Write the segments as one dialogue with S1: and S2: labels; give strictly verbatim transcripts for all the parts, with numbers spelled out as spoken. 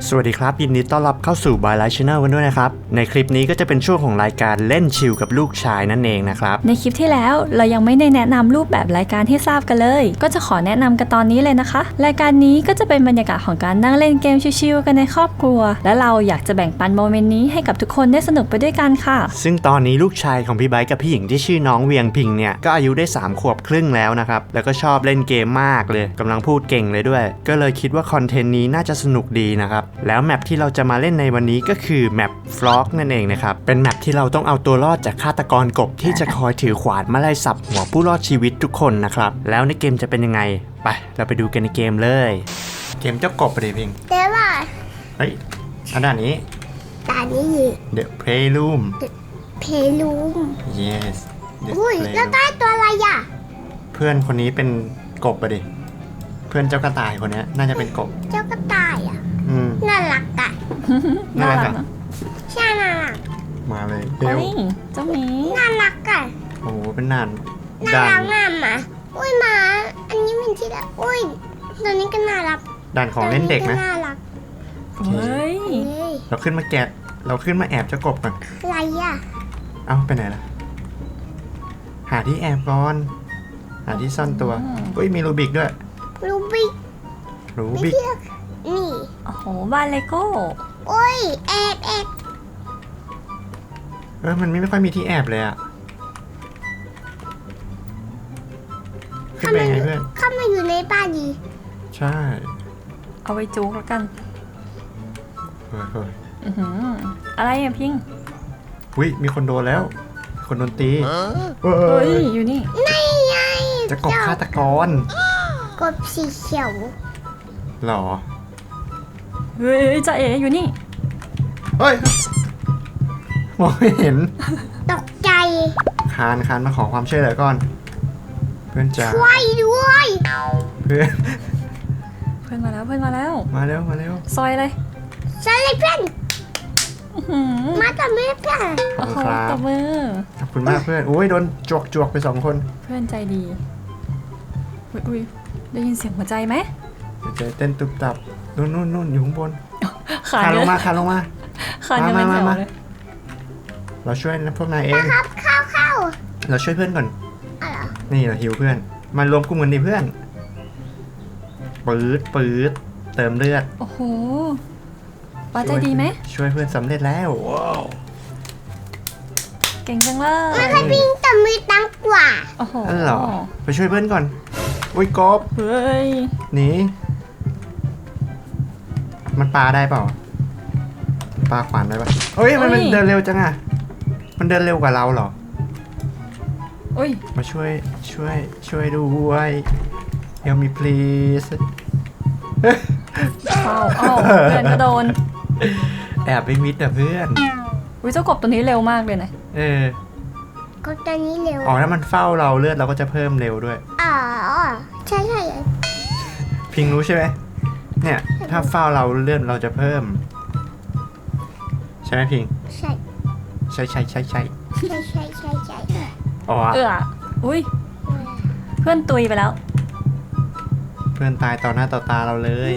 S1: สวัสดีครับยินดีต้อนรับเข้าสู่ By Light Channel กันด้วยนะครับในคลิปนี้ก็จะเป็นช่วงของรายการเล่นชิลกับลูกชายนั่นเองนะครับ
S2: ในคลิปที่แล้วเรายังไม่ได้แนะนำรูปแบบรายการให้ทราบกันเลยก็จะขอแนะนำกันตอนนี้เลยนะคะรายการนี้ก็จะเป็นบรรยากาศของการนั่งเล่นเกมชิลๆกันในครอบครัวและเราอยากจะแบ่งปันโมเมนต์นี้ให้กับทุกคนได้สนุกไปด้วยกันค่ะ
S1: ซึ่งตอนนี้ลูกชายของพี่ไบค์กับพี่หญิงที่ชื่อน้องเวียงพิงเนี่ยก็อายุได้สามขวบครึ่งแล้วนะครับแล้วก็ชอบเล่นเกมมากเลยกำลังพูดเก่งเลยด้วยก็เลยคิดว่าคอนเทนต์นี้น่าจะสนุกดีนะครับแล้วแมปที่เราจะมาเล่นในวันนี้ก็คือแมปฟลอกนั่นเองนะครับเป็นแมปที่เราต้องเอาตัวรอดจากฆาตกรกบที่จะคอยถือขวานมาไล่สับหัวผู้รอดชีวิตทุกคนนะครับแล้วในเกมจะเป็นยังไงไปเราไปดูกันในเกมเลยเกมเจ้ากบไปเลยพิง
S3: แต่ว่า
S1: เฮ้ยอันด้านนี้
S3: ตานี้
S1: The Playroom
S3: เพลูม
S1: yes The
S3: อุ้ย
S1: Playroom
S3: แล้วใต้ตัวอะไรอ่ะ
S1: เพื่อนคนนี้เป็นกบไปดิเพื่อนเจ้ากระต่ายคนนี้น่าจะเป็นกบ
S3: เจ้ากระต่ายอ่ะ
S1: อืม
S3: น่ารักอ่ะ
S1: น่ารักอ่ะ
S3: ใช่น่ารัก
S1: มาเลย
S2: เฮ้ยเจ้าหมี
S3: น่ารักอ่ะ
S1: โอ้โหเป็นนาน
S3: น่ารักมากหมาอุ้ยหมาอันนี้เป็นที่ละอุ้ยตัวนี้ก็น่ารัก
S1: ด่านของเล่นเด็กนะ
S3: น่ารัก
S2: เฮ้ย
S1: เราขึ้นมาแกะเราขึ้นมาแอบเจ้ากบก่อน
S3: อะไรอ่ะ
S1: เอ้าไปไหนล่ะหาที่แอบก่อนหาที่ซ่อนตัวอุ้ยมีรูบิกด้วย
S3: รูบิก
S1: รูบิก
S3: นี่
S2: โอ้โหบ้านเลโก้
S3: โอ้ยแอบแอบ
S1: เออมันไม่ค่อยมีที่แอบเลยอะขึ้นไปไงเพื่อน
S3: เข้ามาอยู่ในบ้านดี
S1: ใช่
S2: เอาไว้จุกแล้วกัน
S1: เฮ้ยเฮ้ย
S2: อะไรอะพิง
S1: อุ้ยมีคนโดนแล้วคนโดนตี
S2: เฮ้ยอยู่นี่
S3: นี่ไง
S1: จะกบฆาตกร
S3: กบสีเขียว
S1: หรอ
S2: เฮ้ยจ่าเอ๋อยู่นี่
S1: เฮ้ยมองไม่เห็น
S3: ตกใจ
S1: คานคานมาขอความช่วยเหลือก่อนเพื่อนจ๋า
S3: ช่วยด้วย
S1: เพื่อน
S2: เพื่อนมาแล้วเพื่อนมาแล้ว
S1: มาเร็วมาเร็ว
S2: ซอยเลย
S3: ซอยเลยเพื่อนมาต่อมือเพื่อน
S1: ขอบคุณครับ
S2: ต่อมือ
S1: ขอบคุณมากเพื่อนโอ้ยโดนจวกจวกไปสองคน
S2: เพื่อนใจดีอุ้ยได้ยินเสียงหัวใจไหม
S1: ใจเต้นตุบตับนู่นนู่นนู่นอยู่ข้างบน
S2: ขา
S1: ลงมาขาลงมา
S2: ขายังไม่แถวเลย
S1: เราช่วยพวกนายเอง
S3: ครับเข้าเข้า
S1: เราช่วยเพื่อนก่อนนี่เราฮิวเพื่อนมารวมกลุ่มกันดิเพื่อนปื๊ดปื๊ดเติมเลือด
S2: โอ้โหป้าใจดีไหม
S1: ช่วยเพื่อนสำเร็จแล้วว้าว
S2: เก่งจังเลย
S3: มันให้พิงแต่มือตังกว่า
S2: โอ้โห
S1: นั่นเหรอไปช่วยเพื่อนก่อนอุ้ยกบ
S2: เฮ้ย
S1: หนีมันปาได้เปล่าปาขวานได้ปะเฮ้ยมันเดินเร็วจังอะมันเดินเร็วกว่าเราเหรอ
S2: อุ้ย
S1: มาช่วยช่วยช่วยด้วย Help me please
S2: เอาเอาเพื่อนก็โดน
S1: แอบไปมิดแต่เพื่อน
S2: อุ้ยเจ้ากบตัวนี้เร็วมากเลยนะ
S1: เออ
S3: ก็ตัวนี้เร็ว
S1: อ๋อถ้ามันเฝ้าเราเลือดเราก็จะเพิ่มเร็วด้วย
S3: อ๋อใช่ใช่
S1: พิงรู้ใช่ไหมเนี่ยถ้าเฝ้าเราเลือดเราจะเพิ่มใช่ไหมพิง
S3: ใช่
S1: ใช่ใช่ใช่ใช่
S3: ใช่ใช่ใช่ใช่
S1: อ๋อ
S2: เอออุ้ยเพื่อนตุยไปแล้ว
S1: เพื่อนตายต่อหน้าต่อตาเราเลย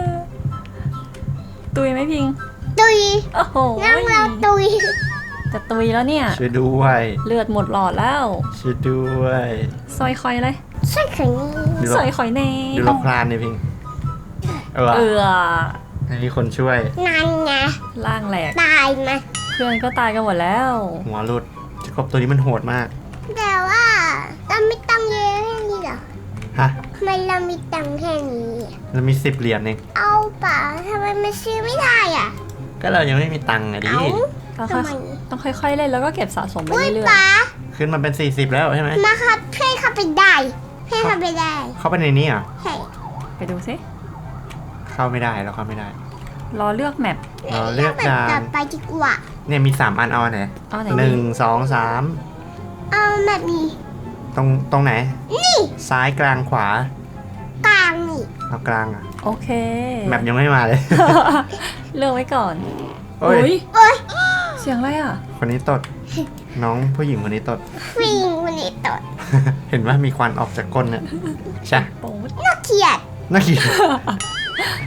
S2: ตุยไหมพิง
S3: ตุย
S2: โอ้โห
S3: นั่งเราตุย
S2: จะตุยแล้วเนี่ย
S1: ช่วยด้วย
S2: เลือดหมดหลอดแล้ว
S1: ช่วยด้วย
S2: ซอยคอยเลย
S3: ซอยคอย
S2: นี่ซอยคอยเน่
S1: ดูเราพลานเนี่ยพิงเออ
S2: เออ
S1: มีคนช่วย
S3: นั่นไง
S2: ล่างแหลก
S3: ตายไหม
S2: เพื่อนก็ตายกันหมดแล้ว
S1: หัวหลุดจะกบตัวนี้มันโหดมาก
S3: แต่ว่าเราไม่ตังเยอะแค่นี้หรอ
S1: ฮะ
S3: ทำไมเรามีตังแค่นี้
S1: เรามีสิบเหรียญเอง
S3: เอาป่ะทำไมมันซื้อไม่ได้อ่ะ
S1: ก็เรายังไม่มีตังค์อะดิ
S2: ต้องค่อยๆเล่นแล้วก็เก็บสะสมไปเรื่อย
S1: ๆขึ้นมาเป็นสี่สิบแล้วใช่ไหม
S3: มาครับเพื่อนเข้าไปได้เพื่อนเข้าไปได้
S1: เข้าไปในนี้อ่ะ
S3: ใช่
S2: ไปดูซิ
S1: เข้าไม่ได้เราเข้าไม่ได้
S2: รอเลือกแมป
S1: รอเลือกจาน
S3: ต่อไปดีกว่า
S1: เนี่ยมีสามอันเอาไหนหนึ่งสองสาม
S3: เอาแบบนี้
S1: ตรงตรงไหน
S3: นี่
S1: ซ้ายกลางขวา
S3: กลางนี่
S1: เอากลางอ่ะ
S2: โอเค
S1: แมปยังไม่มาเลย
S2: เลือกไว้ก่อน
S1: โอ้ย
S2: เสียงอะไรอ่ะ
S1: คนนี้ตดน้องผู้หญิงคนนี้ตด
S3: ผู้หญิงคนนี้ตด
S1: เห็นว่ามีควันออกจากก้นเนี่ยใช่
S3: น่าเกลียด
S1: น่าเกลียด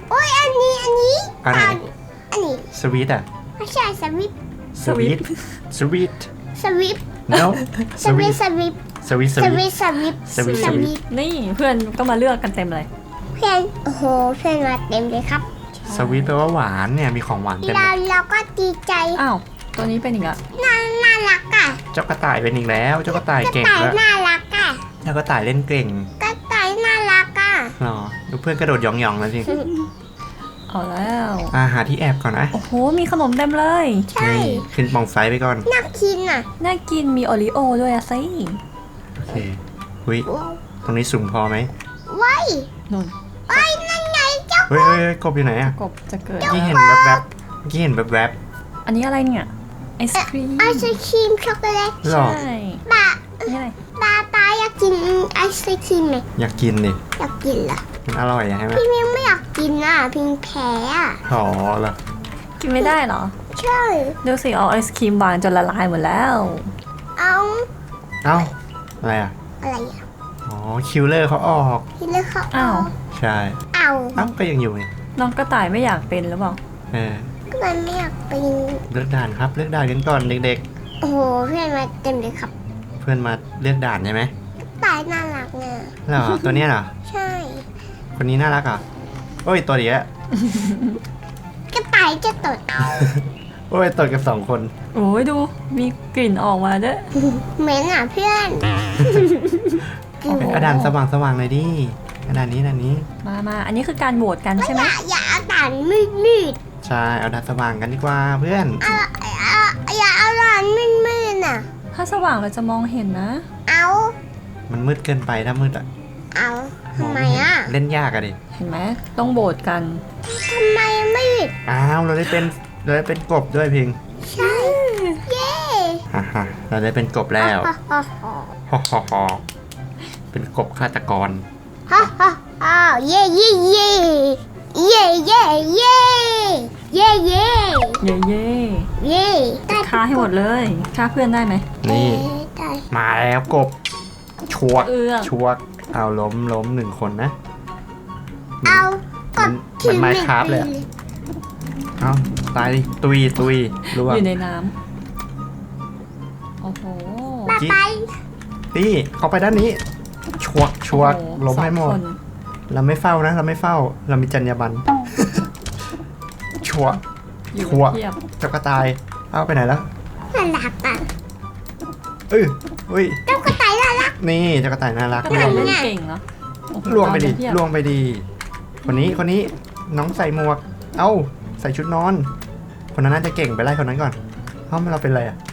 S3: โอ้ยอันนี้อันนี้
S1: อันไหน
S3: อันนี้
S1: สวีทอะ
S3: ไม่ใช่สวิป
S1: สวีทสวีท
S3: สวิป
S1: no
S3: สวิปสวิป
S1: สวีทส
S3: ส
S1: วี
S3: วิ
S1: ท
S3: ปสวิป
S1: สวิปสวิป
S2: นี่เพื่อนก็มาเลือกกันเต็มเลย
S3: เพื่อนโอ้โหเพื่อนมาเต็มเลยครับ
S1: สวีทแปลว่าหวานเนี่ยมีของหวานเต็มเล
S3: เรา
S1: ย
S3: เราก็ดีใจ
S2: อ้าว ตัวนี้เป็นอีกอะ
S3: น่าน่ารักอ่ะ
S1: เจ้ากระต่ายเป็นอีกแล้วเจ้ากระต่าย
S3: กระ
S1: เก่ง
S3: ต่าย
S1: แล้ว
S3: น่ารักอ่ะ
S1: เจ้ากระต่ายเล่นเก่ง
S3: กระต่ายน่ารักอ่ะ
S1: หรอดูเพื่อนกระโดดหยองๆแล้วสิ
S2: เอาแล้ว
S1: อาหาที่แอบก่อนนะ
S2: โอ้โห มีขนมเต็มเลย
S3: ใช่
S1: นี่ขึ้นปล่องไฟไปก่อน
S3: น่ากินอ่ะ
S2: น่ากินมีโอริโอด้วยอะสิ
S1: โอเคหุยตรงนี้สูงพอไหม
S3: ไว้ย
S2: นุ่น
S3: ไว้ยนั่นไงเจ้า
S1: เฮ้ยเฮ้ยเฮ้ยกบอยู่ไหนอะ
S2: กบจะเกิด
S1: เมื่อกี้เห็นแวบๆเมื่อกี้เห็นแวบ
S2: อันนี้อะไรเนี่ย ไอศครีม
S3: ไอศครีมช็อกโกแลต
S1: ๆหรอ
S2: ใช่
S3: บะ
S2: อันนี้อะไร
S3: บาตาอยากกินไอศครีมไหม
S1: อยากกินดิ
S3: อยากกินเหรอ
S1: มันอร่อยอะใช่ไหม
S3: พี่มิวไม่อยากกินอ่ะพิงแพ้อ่ะ
S1: อ๋อเหรอ
S2: กินไม่ได้เหรอ
S3: ใช่
S2: ดูสิเอาไอศครีมวางจนละลายหมดแล้ว
S3: เอา
S1: เอ้าอะไรอะ
S3: อะไรอ่ะ
S1: อ๋อคิวเลอร์เขาออก
S3: พี่เลือกเขา
S2: อ้าว
S1: ใช่
S3: เอา
S1: เอ้าก็ยังอยู่นี่
S2: น้องกระต่ายไม่อยากเป็นหรือเปล่า
S1: เออ
S3: ก็มันไม่อยากเป็น
S1: เลือกด่านครับเลือกด่านกันก่อนเด็ก
S3: โอ้โหเพื่อนมาเต็มเลยครับ
S1: ๆ เพื่อนมาเลือกด่านใช่ไหม
S3: ตายน่ารักเนี่ย
S1: เหรอตัวเนี้ยเหรอ
S3: ใช่
S1: คนนี้น่ารักเหรอโอ้ยตัวเดียว
S3: กระต่ายจะตด
S1: โอ้ยตดกับสองคน
S2: โอ้ยดู มีกลิ่นออกมาด้วย
S3: เหม็นอ่ะเพื่อน
S1: โอเคเอาด่านสว่างสว่างๆเลยดิเอาด่านนี้ด่านนี้
S2: มามา อันนี้คือการโหวตกันใช่ไหม
S3: อย่าอย่าเอาด่านมืดมืด
S1: ใช่เอาด่านสว่างกันดีกว่าเพื่อน
S3: ๆเอาเอาอย่าเอาด่านมืดมืดๆอ่ะ
S2: ถ้าสว่างเราจะมองเห็นนะ
S3: เอา
S1: มันมืดเกินไปถ้ามืดอะ
S3: เอา
S1: มอง
S3: ทำไม
S1: ไม่เห็น
S3: อ่ะ
S1: เล่นยากอะดิ
S2: เห็นไหมต้องโหวตกัน
S3: ทำไมมืด
S1: อ้าวเราได้เป็นเราได้เป็นกบด้วยพิง
S3: ใช่ เย้
S1: ฮ่าฮ่าเราได้เป็นกบแล้ว
S3: ฮ่าฮ่าฮ่า
S1: ฮ่าฮ่าฮ่าเป็นกบฆาตกร
S3: ฮ่าฮ่าฮ่าเย้เย้เย้เย้เย้เย้เย้เย้
S2: เย่เย่
S3: เย้ได้
S2: ฆ่าให้หมดเลยฆ่าเพื่อนได้ไหม
S1: นี่
S3: ได้
S1: มาแล้วกบชวก
S2: เอื้อก
S1: ชวกเอาล้มล้มหนึ่งคนนะ
S3: เอากด
S1: มัน Minecraft เลยอะ เอาตายดิตุยตุยร่วง
S2: อยู่ในน้ำโอ้โห
S3: บ๊ายบาย
S1: นี่เข้าไปด้านนี้ชวกชวก
S2: โอ้โ
S1: ล้มให้หม
S2: สอ
S1: ด
S2: งคน
S1: เราไม่เฝ้านะ เราไม่เฝ้า เรามีจรรยาบรรณ ชวก
S2: อยู่
S1: ชัวร์
S2: เทียบ
S1: เจ้ากระต่ายเอาไปไหนแล้ว
S3: น่ารักอ่ะ
S1: เอ้ยเฮ้ย
S3: เจ้ากระต่ายน่ารัก
S1: นี่เจ้ากระต่ายน่ารัก
S2: ก็
S1: ล่
S2: เล
S1: วย ง
S2: เล่นเก่งเนาะโอ้โห
S1: ล่วงไปดิ
S2: ตามเทียบ
S1: ล่วงไปดีคนนี้คนนี้น้องใส่หมวก เอ้าใส่ชุดนอน คนนั้นน่าจะเก่งไปไล่คนนั้นก่อนเอ้าเราเป็นอะไรอ่ะ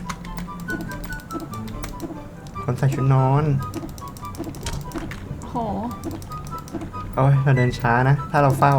S1: คนใส่ชุดนอน
S2: โอ้โห
S1: โอ้ยเราเดินช้านะ ถ้าเราเฝ้า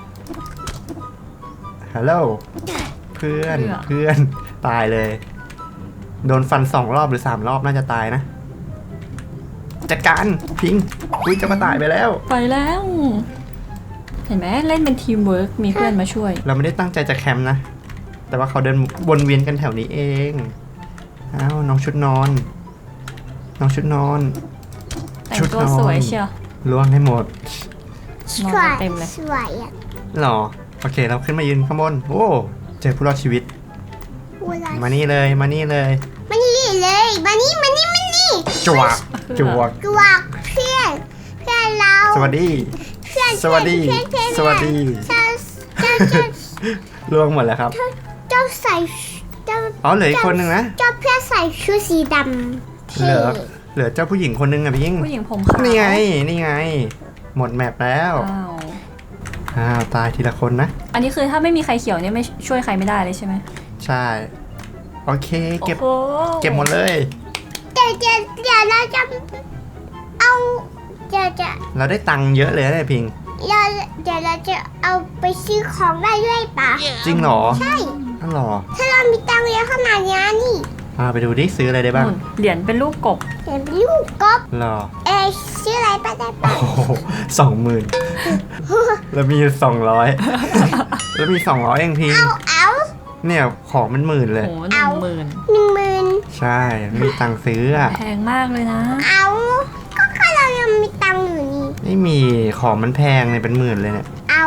S1: ฮัลโหล เพื่อน เพื่อน ตายเลย โดนฟันสองรอบหรือสามรอบน่าจะตายนะ จัดการ พิงอุ้ยเจะมาตายไปแล้ว
S2: ไปแล้ว เห็นไหมเล่นเป็นทีมเวิร์กมีเพื่อนมาช่วย
S1: เราไม่ได้ตั้งใจจะแคมป์นะ แต่ว่าเขาเดินวนเวียนกันแถวนี้เอง อ้าว น้องชุดนอน น้องชุดนอน
S2: แต่ง
S1: ชุด
S2: ตัวน
S1: อน
S2: สวยเชียว
S1: ล่วงให้หมด
S2: นอน
S3: สวย
S2: เต็มเลย
S3: สวยอ่ะ
S1: หรอ โอเค เราขึ้นมายืนข้างบน โอ้ เจอผู้รอดชีวิต
S3: เวลา
S1: มานี่เลย มานี่เลย
S3: มานี่เลยมานี่มานี่มานี่
S1: จวกจวก
S3: กวกเพื่อนเพื่อนเรา
S1: สวัสดี
S3: เพื่อน
S1: สวัสดี
S3: เพื่อนเพื่อน
S1: สวัสดี
S3: เจ้าเจ้าเจ้า
S1: ล่วงหมดแล้วครับ
S3: เจ้าใส่เจ้า
S1: อ๋อ เหลืออีกคนหนึ่งนะ
S3: เจ้าเพื่อนใส่ชุดสีดำ
S1: เหลือ เหลือเจ้าผู้หญิงคนหนึงอะพิง
S2: ผู้หญิงผมขาว
S1: นี่ไง นี่ไง หมดแมปแล้ว
S2: อ้าว
S1: อ้าว ตายทีละคนนะ
S2: อันนี้คือถ้าไม่มีใครเขียวเนี่ยไม่ช่วยใครไม่ได้เลยใช่ไหม
S1: ใช่ โอเค เก็บ
S2: โอ้โห
S1: เก็บหมดเลย
S3: เดี๋ยวเดี๋ยวเดี๋ยวเราจะเอาเดี๋ยวจะ
S1: เราได้ตังค์เยอะเลยนะพิง
S3: เราเดี๋ยวเราจะเอาไปซื้อของได้ด้วยปะ
S1: จริงเหรอ
S3: ใช่
S1: อ๋อเหรอ
S3: ถ้าเรามีตังค์เยอะขนาดนี้นี่
S1: อ่าไปดูดิซื้ออะไรได้บ้าง
S2: นู่นเหรียญเป็นรูปกบ
S3: เห็นเป็นลูกกบ
S1: เหรอ
S3: เอยซื้ออะไรไปได้
S1: โอ้
S3: ปะ
S1: โหสองหมื่นแล้วมีสองร้อยแล้วมีสองร้อยเองพิง
S3: เอาเอา
S1: เนี่ยของมันหมื่นเลย
S2: โอ้โหหนึ่งหมื่น
S3: หนึ่งหมื่น
S1: ใช่ไม่มีตังค์ซื้ออะ
S2: แพงมากเลยนะ
S3: เอาก็แค่เรายังมีตังค์อยู่นี่
S1: ไม่มีของมันแพงเลยเป็นหมื่นเลยเนี่ย
S3: เอา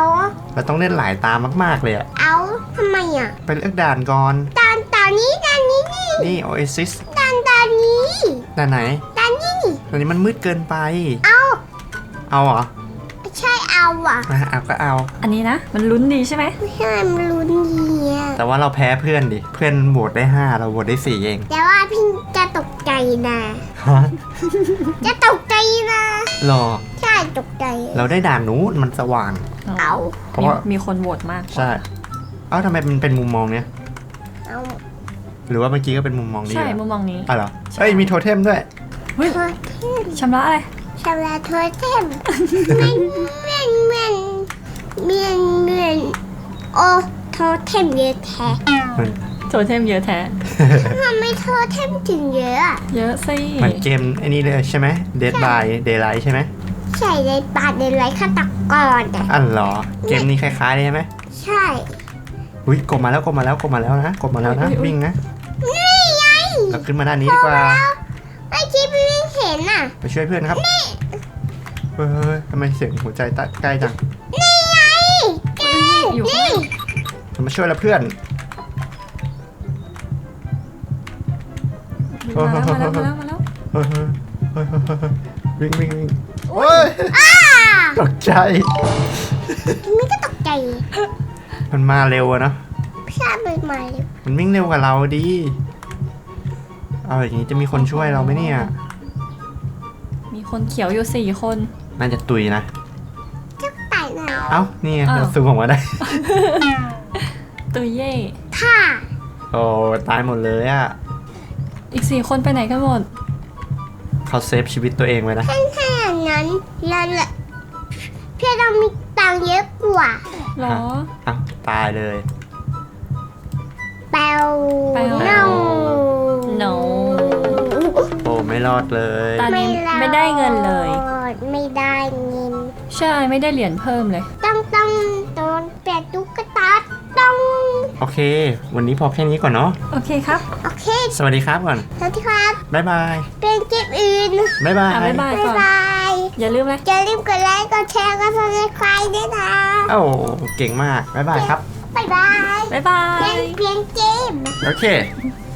S1: เราต้องเล่นหลายตามากๆเลยอะ
S3: เอาทำไมอ่ะ
S1: ไปเลือกด่านก่อน
S3: ตอนตอนนี้ตอนนี้นี่
S1: นี่ Oasis
S3: ตอนตอนนี้
S1: ด่านไหน
S3: ตอนนี้
S1: ตอนนี้มันมืดเกินไป
S3: เอา
S1: เอาเหรอ
S3: ใช่เอาอ่ะ
S1: อ่ะเอาก็เอา
S2: อันนี้นะ มันลุ้นดีใช่ไหม
S3: ไม่ใช่มันลุ้นดีอ่ะ
S1: แต่ว่าเราแพ้เพื่อนดิ เพื่อนโหวตได้ห้าเราโหวตได้สี่เอง
S3: แต่ว่าพี่จะตกใจนะ
S1: ฮะ
S3: จะตกใจนะ
S1: รอ
S3: ใช่ตกใจ
S1: เราได้ด่านนู้นมันสว่าง
S3: เอา
S1: เพราะ
S2: มี
S1: ว่า
S2: มีคนโหวตมาก
S1: ใช่ เอ้าทำไมมันเป็นมุมมองเนี้ย
S3: เอา
S1: หรือว่าเมื่อกี้ก็เป็นมุมมองนี้
S2: ใช่
S1: เหรอ
S2: มุมมองนี้
S1: อ่ะเหรอ
S2: ใช่
S1: เอ้ยมีโทเทมด้วย
S2: เฮ้ย
S3: โทษเทม
S2: ชำระอะไร
S3: ชำระโทษเทมเมียนเมียนเมียนเมียนเมียนโอ้โทษเทมเยอะแท้
S1: มัน
S2: โทเทมเยอะแท้
S3: ทำไมโทษเทมถึงเยอะอะ
S2: เยอะสิ
S1: เหมือนเกมไอ้นี่เลยใช่ไหม Dead by Daylight ใช่ไหม
S3: ใช่ในปาดในไรฆาตกรอ่ะ
S1: อันเหรอ เกมนี้คล้ายๆเลยใช่ไหม
S3: ใช่
S1: อุ้ยกดมาแล้วกดมาแล้วกดมาแล้วนะกดมาแล้วนะวิ่งนะ
S3: นี่ไง
S1: เราขึ้นมาด้านนี้ดีกว่า
S3: ไอ้คิดไม่เห็นอ่ะ
S1: ไปช่วยเพื่อนครับเฮ้ยทำไมเสียงหัวใจตัดใกล้จัง
S3: นี่ไงแก
S2: อยู่ข้าง
S3: นี่
S2: ใน
S1: มาช่วยแล้วเพื่อน
S2: มาแล้วมาแล้วมาแล้วมาแล้ว
S1: เฮ้ยเฮ้ยเฮ้ยเฮ้ยเฮ้ยวิ่งวิ่งวิ่งโอ้ย
S3: อ้า
S1: ตกใจ
S3: ไม่ก็ตกใจ
S1: มันมาเร็วอะเนาะ
S3: พี่ชายไปใหม่
S1: มันวิ่งเร็วกว่าเราดีเอาอย่างนี้จะมีคนช่วยเราไหมเนี่ย
S2: มีคนเขียวอยู่สี่คน
S1: น่าจะตุยนะ
S3: จะไต่หน่อย
S1: เอ้านี่ไง
S2: อ้าว
S1: เราซูมออกมาได้
S2: ตุยเย่
S3: ค่ะ
S1: โอ้ตายหมดเลยอะ
S2: อีกสี่คนไปไหนกันหมด
S1: เขาเซฟชีวิตตัวเองไว้นะ
S3: ถ้าถ้าอย่างนั้นเราละพี่เรามีตังค์เยอะกว่า
S2: หรอ
S1: เอ้าตายเลย
S3: แปลว
S2: แปลว
S3: เน่า
S2: no
S1: โอ้ไม่รอดเลย
S2: ตอนนี้
S3: รอ
S2: ไม่ได้เงินเลย
S3: ไม่ได้เงิน
S2: ใช่ไม่ได้เหรียญเพิ่มเลย
S3: ต้องต้องต้องเปลี่ยนตุ๊กตาต้อง
S1: โอเค วันนี้พอแค่นี้ก่อนเนาะ
S2: โอเคครับ
S3: โอเค
S1: สวัสดีครับก่อน
S3: สวัสดีครับ
S1: บ๊ายบาย
S3: เป็นเกมอื่น
S1: บ๊ายบาย
S2: อ่ะบ๊ายบาย
S3: บ๊าย
S2: ก่อน
S3: บาย
S2: อย่าลืมนะ
S3: อย่าลืมกดไลค์กดแชร์กดซับสไครต์ด้วยนะ
S1: โอ้เก่งมาก บ๊ายบายครับ
S3: บ๊ายบาย
S2: บ๊ายบา
S3: เล่
S2: ย
S3: นเพียงเกม
S1: โอเค
S3: บ